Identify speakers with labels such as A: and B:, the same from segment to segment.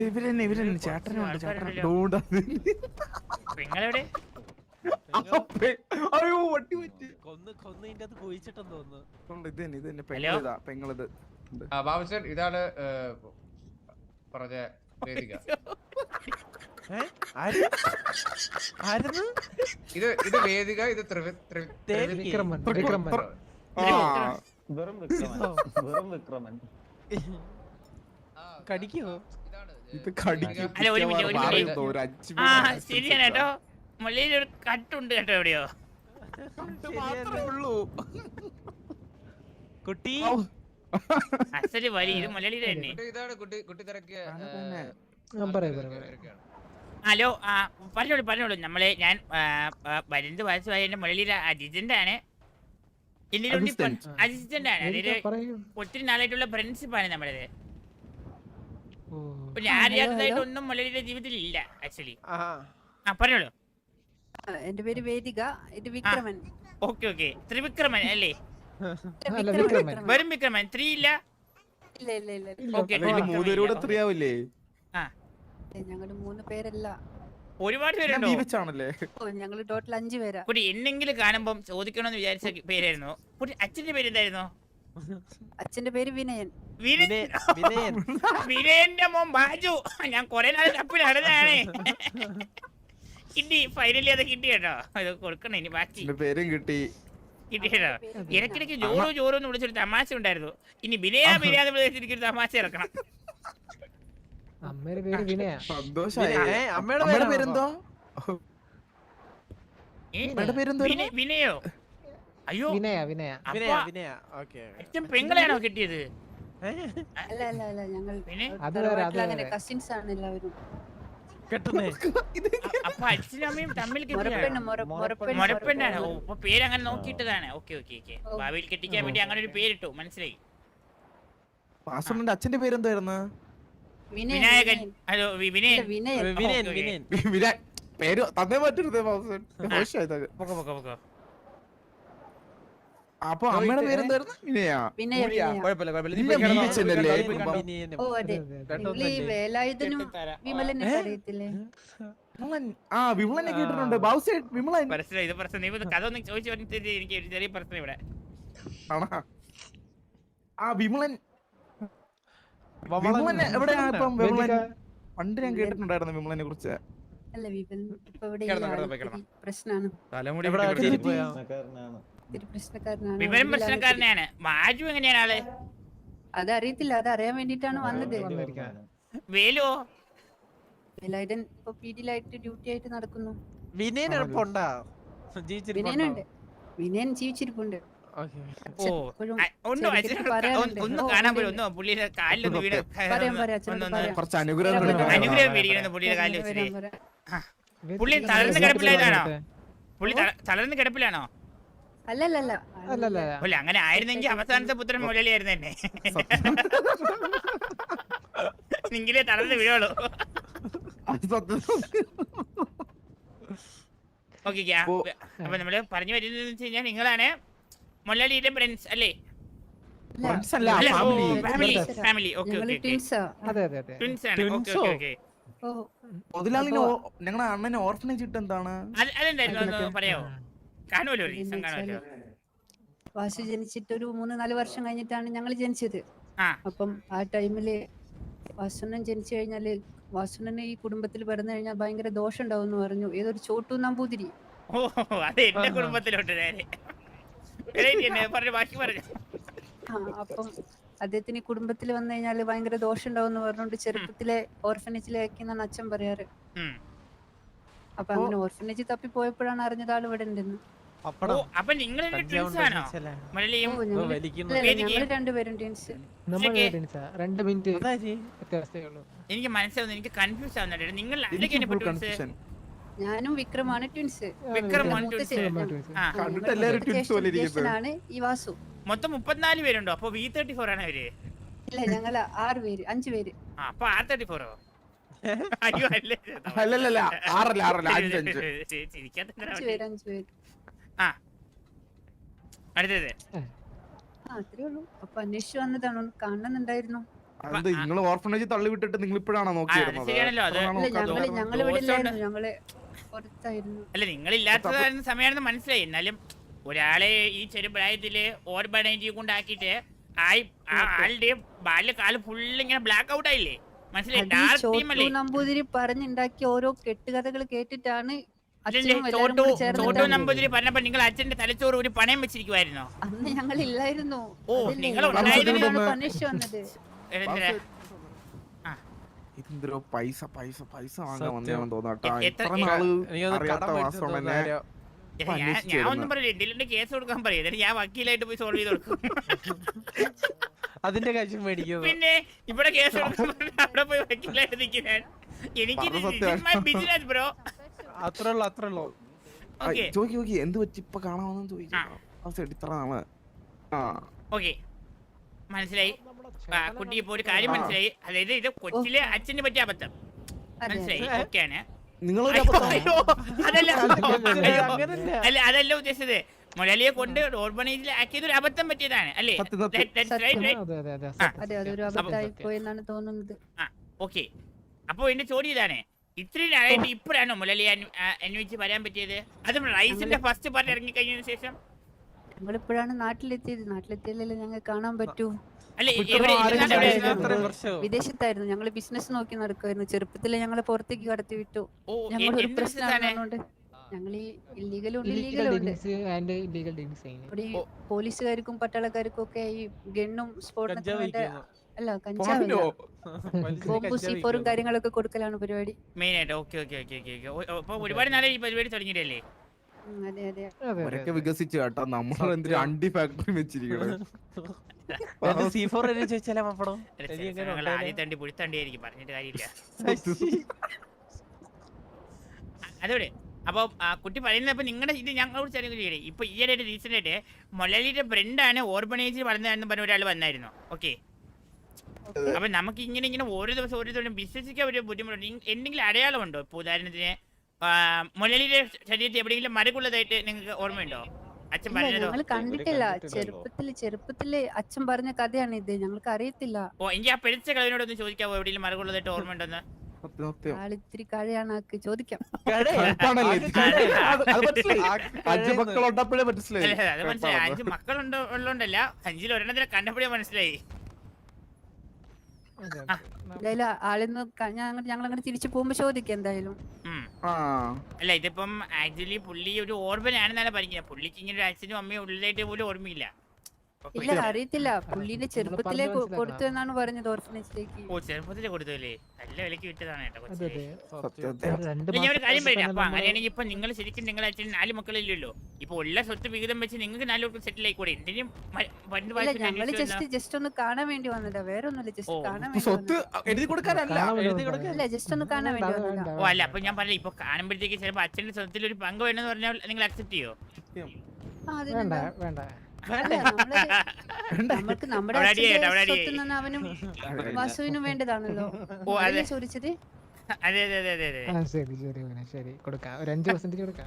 A: ഇവരെന്നെ ചേട്ടനുണ്ട് ചേട്ടൻ ഡോണ്ട്
B: പെങ്ങളെവിടെ?
A: അയ്യോ വട്ടി പറ്റി
C: കൊന്ന് ഇതിന്റെ അത് കുഴിച്ചിട്ടെന്ന് തോന്നുന്നു.
A: ഇത് തന്നെ പെങ്ങളിതാ പെങ്ങളിത്.
D: ബാബുസൻ ഇതാണ് പറഞ്ഞ വേദിക. ഇത് വേദിക, ഇത്
C: വിക്രമൻ. കടിക്കോ?
A: ഇത് കടിക്കും.
B: ശരിയാണ് കേട്ടോ. മുള്ളിയിൽ ഒരു കട്ടുണ്ട് കേട്ടോ എവിടെയോ.
C: കുട്ടി
B: അസല് വലി ഇത് മലയാളിയുടെ തന്നെ.
D: ഇതാണ് കുട്ടി തിരക്കിയ.
B: ഹലോ പറഞ്ഞോളൂ നമ്മളെ ഞാൻ 15 വയസ്സുമായ എന്റെ മുരളിയുടെ അസിസ്റ്റന്റ് ആണ്. അസിസ്റ്റന്റ് ആണ്. അതായത് ഒത്തിരി നാളായിട്ടുള്ള ഫ്രണ്ട്ഷിപ്പ് ആണ് നമ്മളത്. ഞാൻ അറിയാത്തതായിട്ടൊന്നും മുരളിയുടെ ജീവിതത്തിൽ ഇല്ല ആക്ച്വലി. പറഞ്ഞോളൂ.
E: എന്റെ പേര് വേദിക, ഇത് വിക്രമൻ.
B: ഓക്കെ ത്രിവിക്രമൻ അല്ലേ? വെറും വിക്രമൻ, 3 ഇല്ല?
A: മൂന്നുപേരൂടെ 3 ആവില്ലേ?
E: ഞങ്ങള് 3 പേരല്ല,
B: ഒരുപാട് പേരുണ്ടോ?
E: ഞങ്ങള് ടോട്ടൽ 5 പേരാ.
B: കുട്ടി എന്നെങ്കിലും കാണുമ്പം ചോദിക്കണമെന്ന് വിചാരിച്ച പേരായിരുന്നു. കുട്ടി അച്ഛന്റെ പേര് എന്തായിരുന്നു?
E: അച്ഛന്റെ പേര് വിനയൻ.
B: വിനയന്റെ മോൻ ബാജു. ഞാൻ കൊറേ നാൾ തപ്പി നടന്നതാണ്. കിട്ടി, ഫൈനലി അത് കിട്ടി കേട്ടോ. അത് കൊടുക്കണം ഇനി ബാക്കി
A: പേരും കിട്ടി
B: കേട്ടോ. ഇടയ്ക്കിടയ്ക്ക് ജോറോ എന്ന് വിളിച്ചൊരു തമാശ ഉണ്ടായിരുന്നു. ഇനി ബിനയാന്ന് വിളിച്ചിരിക്കൊരു തമാശ ഇറക്കണം.
C: അമ്മയുടെ പേര് വിനയ.
A: അമ്മയുടെ പേരെന്തോ?
B: വിനയോ? അയ്യോ
C: വിനയ.
B: അച്ഛൻ പെങ്ങളെയാണോ കിട്ടിയത്?
E: അല്ല ഞങ്ങൾ കസിൻസ് ആണ് എല്ലാവരും.
B: അപ്പൊ അച്ഛനും അമ്മയും തമ്മിൽ മുറപ്പെണ്ണാണ്. അപ്പൊ പേര് അങ്ങനെ നോക്കിയിട്ടതാണ്. ഓക്കെ ഭാവിയിൽ കെട്ടിക്കാൻ വേണ്ടി അങ്ങനെ ഒരു പേരിട്ടു. മനസ്സിലായി.
A: അച്ഛന്റെ പേരെന്തായിരുന്നു?
B: വിനായകൻ. ഹലോ വിനയൻ.
A: പേര് തന്നേ പറ്റരുത്. അപ്പൊ അമ്മയുടെ പേരെന്തായിരുന്നു? വിമലനെ കേട്ടിട്ടുണ്ട്. വിമലൻ
B: കഥ ഒന്ന് ചോദിച്ചു. എനിക്ക് ഒരു ചെറിയ പ്രശ്നം ഇവിടെ.
A: വിമലൻ എവിടെയാ? പണ്ട് ഞാൻ കേട്ടിട്ടുണ്ടായിരുന്നു വിമലനെ കുറിച്ച്.
B: വിവരം പ്രശ്നക്കാരനാണ്. മാജു എങ്ങനെയാണ് ആള്?
E: അതറിയത്തില്ല, അതറിയാൻ വേണ്ടിട്ടാണ് വന്നത്.
B: വേലോ?
E: വേലായുധൻ ഇപ്പൊ പീഡിയിലായിട്ട് ഡ്യൂട്ടി ആയിട്ട് നടക്കുന്നു.
C: വിനയനുണ്ട്.
E: വിനയൻ ജീവിച്ചിരിപ്പുണ്ട്.
B: ഒന്ന് കാണാൻ പോലും ഒന്ന് പുള്ളിയുടെ കാലിലൊന്ന് വീട്
A: കുറച്ച് അനുഗ്രഹം
B: മേടിക്കണം പുള്ളിയുടെ കാലിൽ വെച്ചിട്ട്. പുള്ളി തളർന്ന് കിടപ്പിലായതാണോ? പുള്ളി തളർന്ന് കിടപ്പിലാണോ?
E: അല്ലല്ല
B: അങ്ങനെ ആയിരുന്നെങ്കിൽ അവസാനത്തെ പുത്രൻ മുരളിയായിരുന്നു തന്നെ. നിങ്ങളെ തളർന്ന് വീഴുള്ളൂ. ഓക്കെ അപ്പൊ നമ്മള് പറഞ്ഞു വരുന്നത് വെച്ച് കഴിഞ്ഞാൽ നിങ്ങളാണ് മുരളിയുടെ ഫ്രണ്ട്സ് അല്ലേ? ഫാമിലി.
A: ഞങ്ങളുടെ അണ്ണന് ഓർഫനേജ് ഇട്ട് എന്താണ്
B: അതെന്തായിരുന്നു പറയാമോ? കാണുമല്ലോ, റീസൺ കാണുമല്ലോ.
E: വാസു ജനിച്ചിട്ട് ഒരു 3-4 വർഷം കഴിഞ്ഞിട്ടാണ് ഞങ്ങൾ ജനിച്ചത്. അപ്പം ആ ടൈമില് വാസുണ്ണൻ ജനിച്ചു കഴിഞ്ഞാല് വാസുണ്ണന് ഈ കുടുംബത്തിൽ പിറന്നു കഴിഞ്ഞാൽ ഭയങ്കര ദോഷം ഉണ്ടാവും എന്ന് പറഞ്ഞു ഏതൊരു ചോട്ടു നമ്പൂതിരി.
B: ഓ അത് എന്റെ കുടുംബത്തിലോട്ട്
E: അപ്പം അദ്ദേഹത്തിന് ഈ കുടുംബത്തിൽ വന്നു കഴിഞ്ഞാല് ഭയങ്കര ദോഷം ഉണ്ടാവും എന്ന് പറഞ്ഞുകൊണ്ട് ചെറുപ്പത്തിലെ ഓർഫനേജിലേക്കെന്നാണ് അച്ഛൻ പറയാറ്. അപ്പൊ അങ്ങനെ ഓർഫനേജ് തപ്പി പോയപ്പോഴാണ് അറിഞ്ഞത് ആൾ ഇവിടെ ഉണ്ടെന്ന്. രണ്ടുപേരും ട്വിൻസ്.
B: എനിക്ക് മനസ്സിലാവുന്നു, എനിക്ക് കൺഫ്യൂസ് ആവുന്നുണ്ട്. നിങ്ങൾ
E: ഞാനും വിക്രമാണ് ട്വിൻസ്. ഈ വാസു.
B: മൊത്തം 34 പേരുണ്ടോ? അപ്പൊ V34 ആണ് അവര്?
E: ഇല്ല, ഞങ്ങൾ 6 പേര് 5 പേര്.
B: അപ്പൊ R34
E: അത്രേ ഉള്ളൂ. അപ്പൊ അന്വേഷിച്ചു വന്നതാണ്, കാണുന്നുണ്ടായിരുന്നു.
A: അത് നിങ്ങൾ ഓർഫനേജ് തള്ളി വിട്ടിട്ട് നിങ്ങൾ ഇപ്പോഴാണോ നോക്കിയിരുന്നത്?
B: ശരിയാണല്ലോ അത്.
E: ഞങ്ങള് ഇവിടെ ഇല്ലായിരുന്നു, ഞങ്ങള് പുറത്തായിരുന്നു.
B: അല്ല നിങ്ങളില്ലാത്ത സമയമാണെന്ന് മനസ്സിലായി. എന്നാലും ഒരാളെ ഈ ചെറുപ്രായത്തില് ഓർബനൈസ് കൊണ്ടാക്കിയിട്ട് ആളുടെ ബാല്യകാലം ഫുള്ള് ഇങ്ങനെ ബ്ലാക്ക് ഔട്ട് ആയില്ലേ? മനസ്സിലായി? ഡാർക്ക് തീം അല്ലേ?
E: നമ്പൂതിരി പറഞ്ഞുണ്ടാക്കിയ ഓരോ കെട്ടുകഥകൾ കേട്ടിട്ടാണ്
B: ചോട്ടു നമ്പൂതിരി പറഞ്ഞപ്പോ നിങ്ങൾ അച്ഛന്റെ തലച്ചോറ് ഒരു പണയം വെച്ചിരിക്കുവായിരുന്നോ?
E: അന്ന് ഞങ്ങൾ ഇല്ലായിരുന്നു.
B: ഓ നിങ്ങൾ ഉണ്ടായിരുന്നു.
E: പണിഷ് വന്നത്
A: ഇതെന്തോ പൈസ പൈസ പൈസ വാങ്ങാൻ വന്നതാണെന്ന് തോന്നാട്ടാ.
B: എത്ര-
A: ഇത്ര നാള്
C: എനിക്കൊന്ന്
A: അറിയാത്ത
C: കടം
A: വാസവൻ
C: മേടിച്ചോണ്ട്
A: എന്നെ
C: വന്ന
B: ഞാൻ ഒന്നും പറയില്ല. എന്തെങ്കിലും കേസ് കൊടുക്കാൻ പറയും. എന്നിട്ട് ഞാൻ വക്കീലായിട്ട് പോയി സോൾവ് ചെയ്ത് കൊടുക്കും.
C: അതിന്റെ കാശും മേടിക്കുന്നു.
B: പിന്നെ ഇവിടെ കേസ് കൊടുക്കാൻ അവിടെ പോയി വക്കീലായിട്ട് നിൽക്കാൻ എനിക്ക് ബിസിനസ് ബ്രോ.
C: അത്രേ ഉള്ളൂ.
B: ഓക്കെ
A: ചോദിക്കി എന്ത് പറ്റി ഇപ്പൊ കാണാമെന്ന് ചോദിച്ചു. ഇത്ര നാള്
B: ഓക്കെ മനസ്സിലായി. കുട്ടി ഇപ്പൊ ഒരു കാര്യം മനസ്സിലായി. അതായത് ഇത് കൊച്ചിലെ അച്ഛന് പറ്റിയ അബദ്ധം മനസ്സിലായി. ഓക്കെയാണ്. അല്ല അതല്ല ഉദ്ദേശിച്ചത്. മുരളിയെ കൊണ്ട് ഓർബനൈസിൽ ആക്കിയത് ഒരു അബദ്ധം പറ്റിയതാണ് അല്ലേ? ഓക്കെ. അപ്പൊ എന്റെ ചോദ്യം ഇതാണ്, ഇത്രയും ആയിട്ട് ഇപ്പോഴാണോ മുരളിയെ അന്വേഷിച്ച് വരാൻ പറ്റിയത്? അതും റൈസിന്റെ ഫസ്റ്റ് പാർട്ട് ഇറങ്ങി കഴിഞ്ഞതിന് ശേഷം?
E: ഞങ്ങളിപ്പോഴാണ് നാട്ടിലെത്തിയത്. നാട്ടിലെത്തിയാലല്ലേ ഞങ്ങൾ കാണാൻ പറ്റൂ.
B: അല്ലെ
E: വിദേശത്തായിരുന്നു. ഞങ്ങൾ ബിസിനസ് നോക്കി നടക്കുമായിരുന്നു. ചെറുപ്പത്തിലെ ഞങ്ങളെ പുറത്തേക്ക് കടത്തി വിട്ടു. ഞങ്ങൾ ഒരു പ്രശ്നമായതുകൊണ്ട് ഞങ്ങൾ ഈ ഇല്ലീഗലും ഉണ്ട് ഇല്ലീഗലും ഉണ്ട്. പോലീസുകാർക്കും പട്ടാളക്കാർക്കും ഒക്കെ ഈ ഗണ്ണും സ്ഫോടനത്തിന്റെ അല്ല കഞ്ചാവില്ല ബോംബും സീഫോറും കാര്യങ്ങളൊക്കെ കൊടുക്കലാണ് പരിപാടി
B: മെയിൻ ആയിട്ട്. Okay okay okay okay. അപ്പൊ ഒരുപാട് നാളെ ഈ പരിപാടി തുടങ്ങിയിട്ടല്ലേ?
E: അതെ അതെ.
A: അവരൊക്കെ വികസിച്ചു കേട്ടോ. നമ്മൾ എന്തൊരു അണ്ടി ഫാക്ടറി വെച്ചിരിക്കണേ.
B: ആദ്യം തണ്ടി പുഴുത്തണ്ടിയായിരിക്കും, പറഞ്ഞിട്ട് കാര്യമില്ല. അതോടെ അപ്പൊ കുട്ടി പറയുന്നപ്പോ നിങ്ങളുടെ ഇത് ഞങ്ങളോട് ചെറിയ ഇപ്പൊ ഈയിടെ റീസെന്റ് ആയിട്ട് മൊലലിയുടെ ഫ്രണ്ടാണ് ഓർബനൈസിൽ വളർന്നതെന്ന് പറഞ്ഞ ഒരാൾ വന്നായിരുന്നു. ഓക്കെ. അപ്പൊ നമുക്ക് ഇങ്ങനെ ഓരോ ദിവസം വിശ്വസിക്കാൻ ഒരു ബുദ്ധിമുട്ടുണ്ട്. എന്തെങ്കിലും അടയാളമുണ്ടോ? ഇപ്പൊ ഉദാഹരണത്തിന് മൊലലിയുടെ ശരീരത്തിൽ എവിടെയെങ്കിലും മരകുള്ളതായിട്ട് നിങ്ങൾക്ക് ഓർമ്മയുണ്ടോ? അച്ഛൻ പറഞ്ഞതോ?
E: ഞങ്ങൾ കണ്ടിട്ടില്ല. ചെറുപ്പത്തില് അച്ഛൻ പറഞ്ഞ കഥയാണ് ഇത്. ഞങ്ങൾക്ക് അറിയത്തില്ല.
B: ഓ എനിക്ക് ആ പെരിച്ച കളവിനോടൊന്ന് ചോദിക്കാവോ എവിടെയെങ്കിലും മരകുള്ളതായിട്ട് ഓർമ്മയുണ്ടെന്ന്?
E: ആളിത്തിരി കഴിയാണ് ആക്ക് ചോദിക്കാം.
A: അഞ്ച് മക്കളുണ്ടപ്പോഴേ മനസ്സിലായി.
B: അത് മനസ്സിലായി. 5 മക്കളുള്ളോണ്ടല്ല, 5-ൽ ഒരെണ്ണത്തിനെ കണ്ടപ്പോഴേ മനസ്സിലായി.
E: എന്തായാലും ആളിന്ന് ഞങ്ങൾ അങ്ങനെ തിരിച്ചു പോകുമ്പോ ചോദിക്കാം എന്തായാലും.
B: അല്ല ഇതിപ്പം ആക്ച്വലി പുള്ളി ഒരു ഓർബൻ ആണെന്നാണ് പറഞ്ഞത്. പുള്ളിക്ക് ഇങ്ങനെ ഒരു അച്ഛനും അമ്മയും ഉള്ളിലായിട്ട് പോലും ഓർമ്മയില്ല.
E: ഇല്ല അറിയത്തില്ല. പുള്ളിന്റെ ചെറുപ്പത്തിലേ കൊടുത്തു എന്നാണ് പറഞ്ഞത് ഓർഫനേജിലേക്ക്.
B: ഓ ചെറുപ്പത്തിലേ കൊടുത്തല്ലേ? നല്ല വിലക്ക് വിറ്റതാണ് കേട്ടോ. ഞാൻ ഒരു കാര്യം പറയാം. അപ്പൊ അങ്ങനെയാണെങ്കിൽ ഇപ്പൊ നിങ്ങൾ ശരിക്കും നിങ്ങളുടെ അച്ഛൻ 4 മക്കളില്ലല്ലോ. ഇപ്പൊ ഉള്ള സ്വത്ത് വിഹിതം വെച്ച് നിങ്ങൾക്ക് 4 പേർക്ക് സെറ്റിൽ ആയിക്കൂടെ? എന്തിനും
E: ഞങ്ങള് ജസ്റ്റ് ഒന്ന് കാണാൻ വേണ്ടി വന്നതാ. വേറെ ഒന്നുമില്ല. ജസ്റ്റ് കാണാൻ വേണ്ടി ജസ്റ്റ് ഒന്ന് കാണാൻ വേണ്ടി വന്നതാ.
B: ഓ അല്ല അപ്പൊ ഞാൻ പറഞ്ഞില്ല, ഇപ്പൊ കാണുമ്പോഴത്തേക്ക് ചിലപ്പോ അച്ഛന്റെ സ്വത്തിൽ ഒരു പങ്ക് വേണമെന്ന് പറഞ്ഞാൽ നിങ്ങൾ അക്സെപ്റ്റ് ചെയ്യോ?
E: നമുക്ക് നമ്മുടെ സ്വത്തുനിന്ന് അവനും വാസുവിനും വേണ്ടതാണല്ലോ ചോദിച്ചത്.
B: അതെ അതെ അതെ അതെ അതെ.
F: ശരി കൊടുക്കാം. ഒരു 5% കൊടുക്കാം.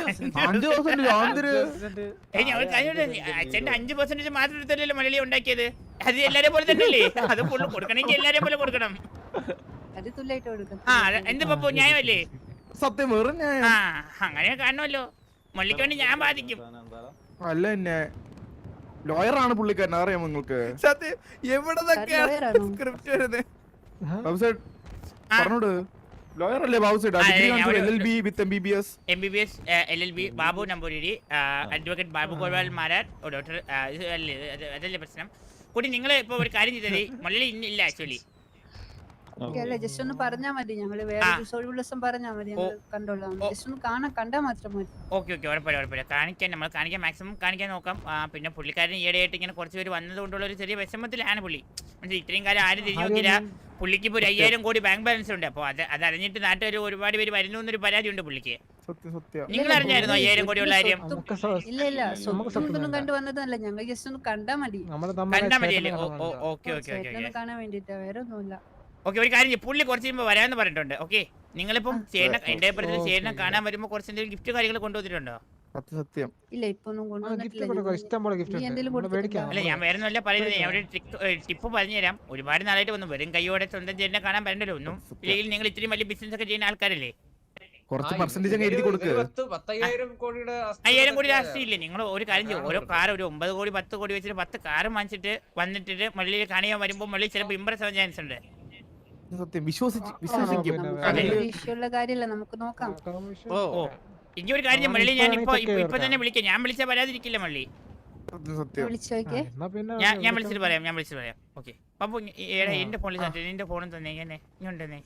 B: അച്ഛന്റെ 5% മാത്രം എടുത്തല്ലോ മലയാളി ഉണ്ടാക്കിയത്. അത് എല്ലാരെ പോലെ തന്നെയല്ലേ? അത് കൊടുക്കണമെങ്കിൽ എല്ലാരെ പോലെ കൊടുക്കണം.
E: അത് തുല്യായിട്ട് കൊടുക്കണം.
B: ആ എന്ത് പപ്പു ന്യായമല്ലേ?
A: സത്യം.
B: ആ അങ്ങനെ കാണണമല്ലോ. മള്ളിക്ക് വേണ്ടി ഞാൻ ബാധിക്കും.
A: അല്ല എന്നെ ലോയറാണ് പുള്ളിക്കാരൻ, അറിയാമോ നിങ്ങൾക്ക്?
C: സത്യം എവിടെന്നൊക്കെയാണ് സ്ക്രിപ്റ്റ് വരുന്നത്?
A: പറഞ്ഞോട്. ലോയർ അല്ലേ Babu side? LLB with MBBS.
B: MBBS LLB Babu Namboothiri advocate Babu Gopal Marar doctor. അതല്ലേ പ്രശ്നം. കൂടി നിങ്ങൾ ഇപ്പൊ ഒരു കാര്യം ചെയ്തത് മലയാളി ഇല്ല ആക്ച്വലി.
E: ജസ്റ്റ് ഒന്ന് പറഞ്ഞാ മതി. ഞങ്ങള് വേറെ ദിവസം പറഞ്ഞാ മതി. ഞങ്ങൾ കണ്ടോളാം. ജസ്റ്റ് ഒന്ന് കണ്ടാ മാത്രം മതി.
B: ഓക്കെ ഓക്കെ ഉറപ്പില്ല. കാണിക്കാൻ മാക്സിമം കാണിക്കാൻ നോക്കാം. പിന്നെ പുള്ളിക്കാരൻ ഈയിടെയായിട്ട് ഇങ്ങനെ കുറച്ച് പേര് വന്നത് കൊണ്ടുള്ള ഒരു ചെറിയ വിഷമത്തിലാണ് പുള്ളി. മനസ്സിലായി? ഇത്രയും കാലം ആരും തിരിഞ്ഞു നോക്കില്ല. പുള്ളിക്ക് ഇപ്പൊ 5000 കോടി ബാങ്ക് ബാലൻസ് ഉണ്ട്. അപ്പൊ അത് അറിഞ്ഞിട്ട് നാട്ടുകാർ ഒരുപാട് പേര് വരുന്നു എന്നൊരു പരാതി ഉണ്ട് പുള്ളിക്ക്. നിങ്ങൾ അറിഞ്ഞായിരുന്നു 5000 കോടി ഉള്ള കാര്യം?
E: ഇല്ല സ്വത്തൊന്നും കണ്ടു വന്നതല്ല. ഞങ്ങൾ ജസ്റ്റ് ഒന്ന് കണ്ടാ മതി.
B: കണ്ടാ മതിയല്ലേ? ഓക്കെ
E: കാണാൻ വേണ്ടിട്ടാ, വേറെ ഒന്നുമില്ല.
B: ഓക്കെ ഒരു കാര്യം പുള്ളി കുറച്ച് കഴിയുമ്പോൾ വരാമെന്ന് പറഞ്ഞിട്ടുണ്ട്. ഓക്കെ നിങ്ങളിപ്പം ചേട്ടൻ എന്റെ അഭിപ്രായത്തിൽ ചേട്ടനെ കാണാൻ വരുമ്പോൾ കുറച്ച് എന്തെങ്കിലും ഗിഫ്റ്റ് കാര്യങ്ങൾ കൊണ്ടുവന്നിട്ടുണ്ടോ?
A: സത്യം
E: ഇല്ല ഇപ്പൊ ഒന്നും
F: ഗിഫ്റ്റ്
E: കൊണ്ടുവന്നിട്ടില്ല
F: കൊടുക്കാം, ഇഷ്ടം പോലെ ഗിഫ്റ്റ്
E: നീ
F: ഉണ്ട്,
E: എന്തെങ്കിലും
F: നമ്മള് മേടിക്കാം.
B: അല്ല ഞാൻ വേറെ ഒന്നുമല്ല പറയുന്നത്, ഞാൻ ഒരു ടിപ്പ് പറഞ്ഞുതരാം. ഒരുപാട് നാളായിട്ട് വന്നു, വെറും കൈയോടെ സ്വന്തം ചേട്ടനെ കാണാൻ വരണ്ടല്ലോ ഒന്നും. ഇല്ലെങ്കിൽ നിങ്ങൾ ഇത്രയും വലിയ ബിസിനസ് ഒക്കെ ചെയ്യുന്ന ആൾക്കാരല്ലേ,
A: കുറച്ച് പെർസെന്റേജ് അങ്ങ് എഴുതി കൊടുക്കുക.
D: 10,000 കോടിയുടെ
B: 5000 കോടി രാഷ്ട്രീയമില്ലേ? നിങ്ങൾ ഒരു കാര്യം ചെയ്യും, ഓരോ കാർ ഒരു 9 കോടി 10 കോടി വെച്ചിട്ട് 10 കാർ വാങ്ങിച്ചിട്ട് വന്നിട്ട് മള്ളിയിൽ കാണിയാൻ വരുമ്പോൾ മള്ളി ചിലപ്പോൾ ഇമ്പ്രസ് ആവാൻ ചാൻസ് ഉണ്ട്.
A: സത്യം വിശ്വസിക്കും.
E: വിഷയമുള്ള കാര്യമല്ല, നമുക്ക് നോക്കാം.
B: ഓ ഇനി ഒരു കാര്യം മള്ളി, ഞാൻ ഇപ്പൊ തന്നെ വിളിക്കാം. ഞാൻ വിളിച്ചാൽ വരാതിരിക്കില്ല മള്ളി.
A: സത്യം
E: വിളിച്ചു നോക്കിയേ.
B: ഞാൻ വിളിച്ചിട്ട് പറയാം. ഓക്കെ അപ്പൊ എന്റെ ഫോണിൽ എന്റെ ഫോണും തന്നെ ഇങ്ങോട്ടെ.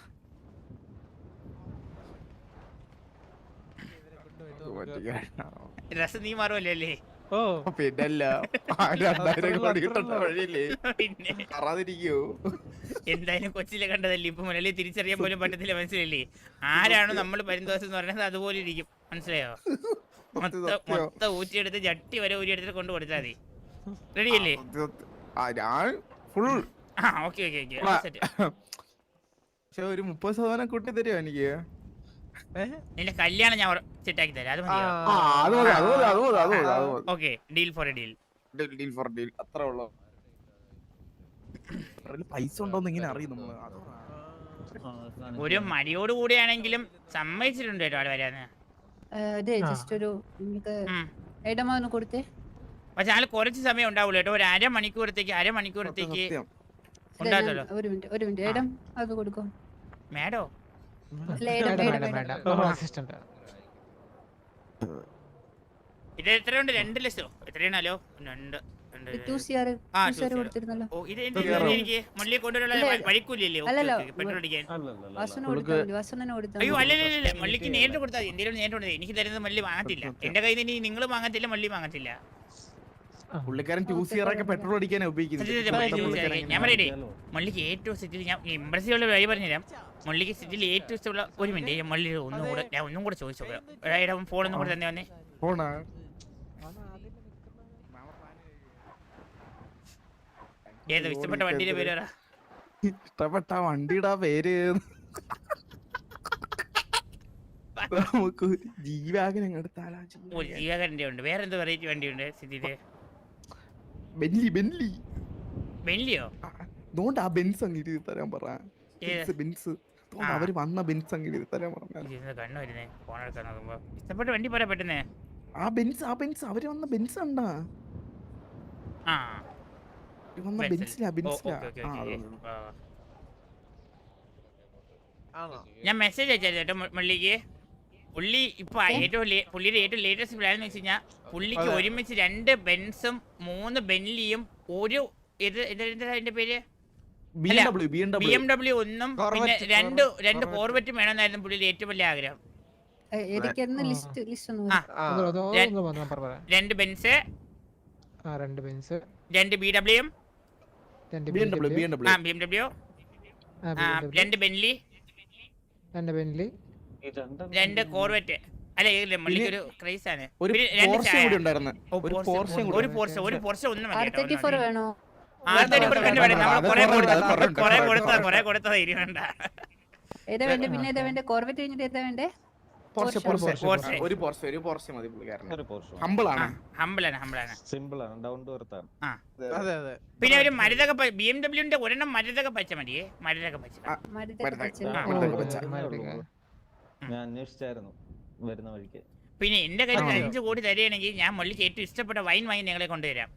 B: രസം നീ മാറുമല്ലേ അല്ലേ?
C: ഓ
A: പിന്നല്ല 2000 കോടി കിട്ടേണ്ട വഴിയില്ലേ,
B: പിന്നെ
A: അറിയാതിരിക്കോ?
B: എന്തായാലും കൊച്ചിലെ കണ്ടതല്ലേ, ഇപ്പൊ മുരളി തിരിച്ചറിയാൻ പോലും പറ്റത്തില്ല. മനസ്സിലല്ലേ? ആരാണോ നമ്മൾ പരിന്തോഷം എന്ന് പറയുന്നത് അതുപോലെ ഇരിക്കും. മനസ്സിലായോ? മൊത്തം ഊറ്റിയെടുത്ത് ജട്ടി വരെ ഊരിയെടുത്തിട്ട് കൊണ്ട് കൊടുത്താൽ മതി. റെഡിയല്ലേ?
A: ഞാൻ ഫുൾ.
B: ഓക്കെ
A: പക്ഷെ ഒരു 30% കൂട്ടി തരുമോ എനിക്ക്?
B: നിന്റെ കല്യാണം ഞാൻ സെറ്റാക്കി തരാം. അത് മതിയോ? Okay, deal for a deal.
A: അത്ര ഉള്ളു. പൈസ ഉണ്ടോന്ന് ഇങ്ങനെ അറിയും നമ്മള്.
B: ഒരു മടിയോട് കൂടിയാണെങ്കിലും സമ്മതിച്ചിട്ടുണ്ട് കേട്ടോ ആള് വരാന്ന്.
E: അതെ ജസ്റ്റ് ഒരു ഇടമാന്ന് കൊടുത്തേ.
B: പക്ഷെ ആള് കുറച്ച് സമയം ഉണ്ടാവുള്ളൂ കേട്ടോ, ഒരു അരമണിക്കൂറത്തേക്ക് ഉണ്ടാകല്ലോ.
E: ഒരു മിനിറ്റ് ഇടം അത് കൊടുക്കും.
B: മേഡോ ഇത് എത്രയുണ്ട്? 2 ലക്ഷോ എത്രയാണല്ലോ?
E: 2 കൊടുത്തിരുന്നല്ലോ.
B: എനിക്ക് മള്ളി കൊണ്ടുവരാനുള്ള വഴിക്കൂലല്ലേ പെട്രോൾ അടിക്കാൻ? അയ്യോ അല്ലല്ല, മള്ളിക്ക് നേരിട്ട് കൊടുത്താൽ മതി. എന്തെങ്കിലും നേരിട്ട് കൊടുത്താൽ എനിക്ക് തരുന്നത് മള്ളി വാങ്ങത്തില്ല. എന്റെ കയ്യിൽ നിന്ന് നിങ്ങൾ വാങ്ങത്തില്ല, മള്ളി വാങ്ങത്തില്ല.
A: പുള്ളിക്കാരൻ 2 ഒക്കെ പെട്രോൾ അടിക്കാനാ ഉപയോഗിക്കുന്നത്.
B: ഞാൻ പറയട്ടെ, മള്ളിക്ക് ഏറ്റവും സിറ്റിയിൽ ഞാൻ ഇമ്പ്രസീവുള്ള വഴി പറഞ്ഞുതരാം. മള്ളിക്ക് സിറ്റിയിൽ ഏറ്റവും ഇഷ്ടമുള്ള ഒരു മിനിറ്റ്, മള്ളി ഒന്നും കൂടെ ചോദിച്ചു നോക്കാം. ഫോൺ ഒന്നും കൂടെ തന്നെ വന്നേ.
A: ഫോണാ
B: ഏതോ ഇഷ്ടപ്പെട്ട വണ്ടിയുടെ പേര് പറ.
A: ഇഷ്ടപ്പെട്ട വണ്ടിയുടെ പേര് നമുക്ക് ജീവാഗൻ എടുത്താലാ.
B: ജീവകരന്റെ ഉണ്ട്. വേറെ എന്ത് വെറൈറ്റി വണ്ടിയുണ്ട് സിറ്റിയില്? ബെൻലിയോ?
A: അതുകൊണ്ട് ആ ബെൻസ് അങ്ങ് എഴുതി തരാൻ പറ. ബെൻസ് അവര് വന്ന ബെൻസ് അങ്ങ് എഴുതി തരാൻ പറഞ്ഞു.
B: കണ്ണു വരുന്നേ ഫോൺ എടുക്കാൻ നോക്കുമ്പോ. ഇഷ്ടപ്പെട്ട വണ്ടി പറയാ പെട്ടെന്ന്.
A: ആ ബെൻസ് അവര് വന്ന ബെൻസ് ഉണ്ടാ
B: ഞാൻ മെസ്സേജ് അയച്ചായിരുന്നു കേട്ടോ മള്ളിക്ക്. പുള്ളി ഇപ്പൊ പുള്ളിയുടെ ഏറ്റവും ലേറ്റസ്റ്റ് പ്ലാൻ എന്ന് വെച്ച് കഴിഞ്ഞാൽ പുള്ളിക്ക് ഒരുമിച്ച് 2 ബെൻസും 3 ബെൻലിയും ഒരു അതിന്റെ പേര് BMW 1 പിന്നെ 2 കോർവെറ്റും വേണമെന്നായിരുന്നു പുള്ളിയുടെ ഏറ്റവും വലിയ ആഗ്രഹം. 2 ബെൻസ്, 2 BMW, 2 ബെൻലി, 2 കോർവെറ്റ്. അല്ല മള്ളിക്കൊരു ക്രൈസ് ആണ്. ഒരു പോർഷെ ഒന്നും കൊറേ കൊടുത്തത് ഇരുവണ്ട. പിന്നെ ഒരു മരുതക BMW ഒരെണ്ണം മരുതക പച്ച മതിയേ. മരുതക പച്ച
G: ഞാൻ അന്വേഷിച്ചായിരുന്നു വരുന്ന വഴിക്ക്.
B: പിന്നെ എന്റെ കയ്യിൽ 5 കോടി തരികയാണെങ്കിൽ ഞാൻ മള്ളിക്ക് ഏറ്റവും ഇഷ്ടപ്പെട്ട വൈൻ വാങ്ങി നിങ്ങളെ കൊണ്ടുവരാം.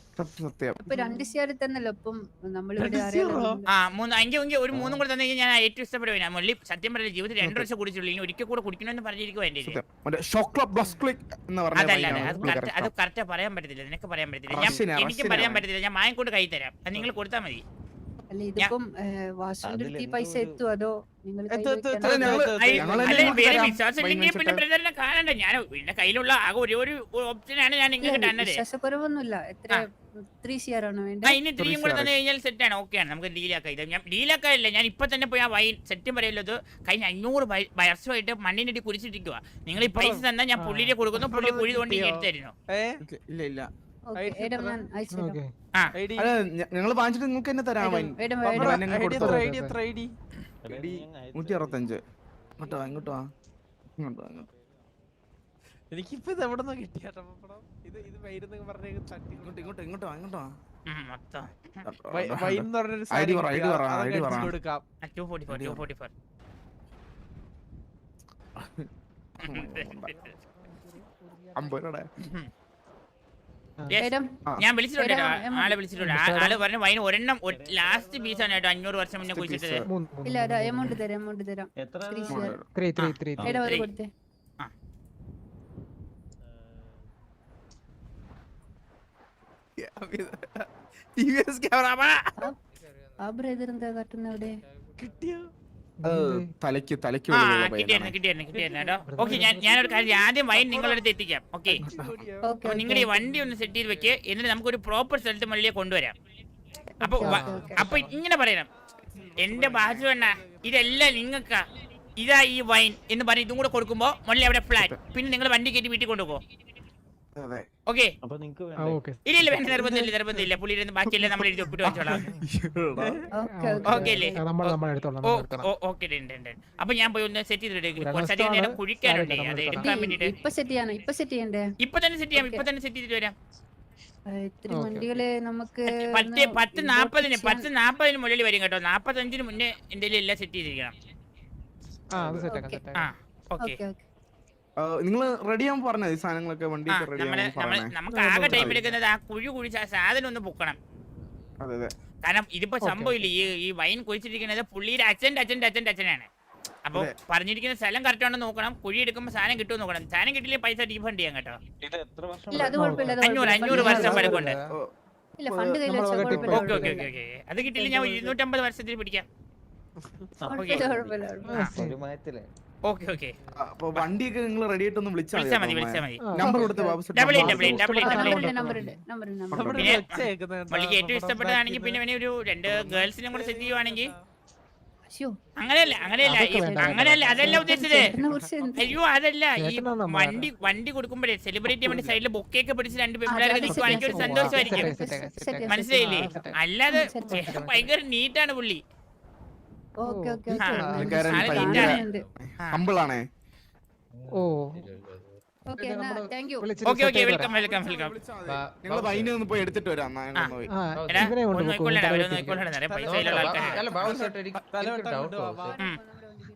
B: ഒരു 3 കൂടെ തന്നെ ഞാൻ ഏറ്റവും ഇഷ്ടപ്പെടുക. മള്ളി സത്യം പറയില്ല, ജീവിതത്തിൽ 2 വർഷം കുടിച്ചുള്ളൂ. ഇനി ഒരിക്കൽ കൂടെ കുടിക്കണമെന്ന് പറഞ്ഞിരിക്കും എന്റെ. അത് കറക്റ്റ് പറയാൻ പറ്റത്തില്ല, നിനക്ക് പറയാൻ പറ്റത്തില്ല, എനിക്ക് പറയാൻ പറ്റത്തില്ല. ഞാൻ മായം കൈ തരാം, അത് നിങ്ങൾ കൊടുത്താൽ മതി.
E: പൈസ എത്തും അതോ
B: പിന്നെ ബ്രദറിനെ കാണണ്ട. ഞാൻ എന്റെ കയ്യിലുള്ള ആകെ ഒരു ഓപ്ഷനാണ് ഞാൻ നിങ്ങൾക്ക് തന്നത്.
E: വിശ്വാസക്കുറവൊന്നുമില്ല.
B: ഇനി 3 കൂടെ തന്നെ കഴിഞ്ഞാൽ സെറ്റ് ആണ്, ഓക്കെ ആണ്, നമുക്ക് ഡീലാക്കാം. ഇത് ഞാൻ ഡീലാക്കാറില്ല, ഞാൻ ഇപ്പൊ തന്നെ പോയി ആ വൈൻ സെറ്റും പറയല്ലോ. കഴിഞ്ഞ 500 വർഷമായിട്ട് മണ്ണിനടി കുരിച്ചിട്ടിരിക്കുക. നിങ്ങൾ ഈ പൈസ തന്നാൽ ഞാൻ പുള്ളിയെ കൊടുക്കുന്നു, പുള്ളി കുഴി തോണ്ടി എടുത്തായിരുന്നു.
A: നിങ്ങൾ വാങ്ങിച്ചിട്ട് നിങ്ങൾക്ക് തന്നെ തരാം. 165 ഇങ്ങോട്ടോ.
C: എനിക്കിപ്പോ ഇത് എവിടെ നിന്ന് കിട്ടിയാട്ടോ പപ്പടം? ഇത് വൈരുന്ന് പറഞ്ഞ തട്ടി
A: ഇങ്ങോട്ടോ
B: മൊത്തം
C: വൈൻ എന്ന് പറഞ്ഞൊരു
A: ID പറ,
C: സാധനം
A: ID പറ,
C: അതൊക്കെ
A: ID പറ.
C: അടിച്ച് കൊടുക്കാം.
B: 244
A: അമ്പരടെ
B: Yes.
E: ഏരം
B: ഞാൻ വിളിച്ചിട്ടുണ്ട് കേട്ടോ.
E: ഏരം,
B: ആളെ വിളിച്ചിട്ടുണ്ട്. ആള് പറഞ്ഞു വൈൻ ഒരെണ്ണം ലാസ്റ്റ് പീസാണ് കേട്ടോ 500 വർഷം മുന്നേ കുഴിച്ചിട്ടത്.
E: ഇല്ല എമൗണ്ട് തരാം
G: എത്ര
E: ശ്രീ
G: ആണ്?
E: ശിവ.
F: 3
E: ഏടാ ഒരു കൊടുത്തേ
B: TVS ക്യാമറ
E: ആ ബ്രദർ എന്താ കാട്ടുന്ന അവിടെ
C: കിട്ടിയോ?
A: തലയ്ക്ക്
B: ആ കിട്ടിയായിരുന്നു കേട്ടോ. ഓക്കെ ഞാനൊരു കാര്യം ആദ്യം വൈൻ നിങ്ങളുടെ അടുത്ത് എത്തിക്കാം. ഓക്കെ
E: ഓക്കെ
B: നിങ്ങളുടെ ഈ വണ്ടി ഒന്ന് സെറ്റ് ചെയ്ത് വെക്ക്. എന്നിട്ട് നമുക്കൊരു പ്രോപ്പർ സ്ഥലത്ത് മള്ളിയെ കൊണ്ടുവരാം. അപ്പൊ ഇങ്ങനെ പറയണം, എന്റെ ബാജു അണ്ണ ഇതെല്ലാം നിങ്ങൾക്കാ, ഇതാ ഈ വൈൻ എന്ന് പറഞ്ഞ് ഇതും കൂടെ കൊടുക്കുമ്പോ മള്ളി അവിടെ ഫ്ലാറ്റ്. പിന്നെ നിങ്ങൾ വണ്ടി കയറ്റി വീട്ടിൽ കൊണ്ടുപോകോ. ഓക്കെ
G: അപ്പൊ നിങ്ങക്ക്
F: ഓക്കെ
B: ഇല്ല വേണ്ട, നിർബന്ധമില്ല. പുള്ളിയിരുന്ന് ബാക്കിയല്ലേ നമ്മൾ എഴുതി ഒപ്പിട്ട് വെച്ചോളാം. ഓക്കെ അല്ലേ?
F: നമ്മൾ എടുത്തോളാം
B: ഓക്കെ അപ്പൊ ഞാൻ പോയി ഒന്ന് സെറ്റ് ചെയ്തിട്ട് കുറച്ചധികം നേരം കുഴിക്കാനുണ്ട്, അത് എടുക്കാൻ വേണ്ടിട്ട്.
E: ഇപ്പൊ സെറ്റ് ചെയ്യണ്ടേ?
B: ഇപ്പൊ തന്നെ സെറ്റ് ചെയ്യാം, ഇപ്പൊ തന്നെ സെറ്റ് ചെയ്തിട്ട് വരാം.
E: ഇത്തിരി വണ്ടികള് നമുക്ക്
B: 10:40 മുകളിൽ വരും കേട്ടോ. 45 മുന്നേ എന്തെങ്കിലും എല്ലാം സെറ്റ് ചെയ്തിരിക്കണം.
F: ആ അത് സെറ്റ് ആക്കാം
B: ആ ഓക്കെ.
E: ഓക്കെ ഓക്കെ
A: നിങ്ങൾ റെഡി ആവാൻ പറഞ്ഞത് ഈ സാധനങ്ങളൊക്കെ വണ്ടി റെഡി ആവാൻ
B: നമുക്ക് ആകെ ടൈം എടുക്കുന്നത് ആ കുഴി കുഴിച്ച് ആ സാധനം ഒന്ന് പൊക്കണം.
A: അതെ
B: കാരണം ഇതിപ്പോ സംഭവമില്ല, ഈ വൈൻ കുഴിച്ചിരിക്കുന്നത് പുള്ളിയുടെ അച്ഛനാണ്. അപ്പൊ പറഞ്ഞിരിക്കുന്ന സ്ഥലം കറക്റ്റ് ആണെന്ന് നോക്കണം. കുഴി എടുക്കുമ്പോൾ സാധനം കിട്ടുമെന്ന് നോക്കണം. സാധനം കിട്ടില്ലേ പൈസ റീഫണ്ട് ചെയ്യാം കേട്ടോ.
G: ഇത് എത്ര വർഷം
E: ഇല്ല അത് കുഴപ്പമില്ല
B: 500 വർഷം പഴക്കമുണ്ട്.
E: ഇല്ല ഫണ്ട് കയ്യിൽ വെച്ചാൽ
B: ഓക്കെ
E: കുഴപ്പമില്ല
B: അത് കിട്ടില്ല, ഞാൻ 250 വർഷത്തിൽ പിടിക്കാം.
E: കുഴപ്പമില്ല
G: ഒരു മയത്തില്
B: ഓക്കെ
A: അപ്പൊ വണ്ടിയൊക്കെ നിങ്ങൾ റെഡി ആയിട്ടൊന്ന്
B: വിളിച്ചാ മതി.
A: നമ്പർ കൊടുത്ത് ബാബു
B: ഡബിൾ എയ്റ്റ്
E: നമ്പർ
B: പിന്നെ
C: ഒച്ച കേൾക്കുന്നുണ്ട്.
B: മള്ളിക്ക് ഏറ്റവും ഇഷ്ടപ്പെട്ടതാണെങ്കിൽ പിന്നെ ഒരു 2 ഗേൾസിനും കൂടെ സെറ്റ് ചെയ്യുവാണെങ്കിൽ.
E: അയ്യോ
B: അങ്ങനെയല്ല അതല്ല ഉദ്ദേശിച്ചത്.
E: ഇതിനെ കുറിച്ച് എന്ത്?
B: അയ്യോ അതല്ല, ഈ വണ്ടി കൊടുക്കുമ്പോഴേ സെലിബ്രേറ്റ് ചെയ്യാൻ വേണ്ടി സൈഡിൽ ബൊക്കെയൊക്കെ പിടിച്ച് 2 പെൺപിള്ളേരൊക്കെ നിൽക്കുവാണെങ്കിൽ ഒരു സന്തോഷമായിരിക്കും. മനസ്സിലായില്ലേ? അല്ലാതെ ഭയങ്കര നീറ്റാണ് പുള്ളി.
E: ഓക്കെ ഓക്കെ
A: ഹമ്പിളാണേ.
F: Oh
E: okay thank you
B: okay welcome
A: നിങ്ങൾ വൈന് ഒന്ന് പോയി എടുത്തിട്ട് വരാം.
F: ഇവനെ കൊണ്ട്
B: നോക്കിക്കൊള്ളണം, അവരൊന്നും നോക്കിക്കൊള്ളണം. പൈസ ഉള്ള ആൾക്കാരാണ്.
D: അല്ല ബാബു ചേട്ടാ എനിക്ക്
C: തലവട്ടം
D: ഡൗട്ട്
C: കൊണ്ടുപോവാ.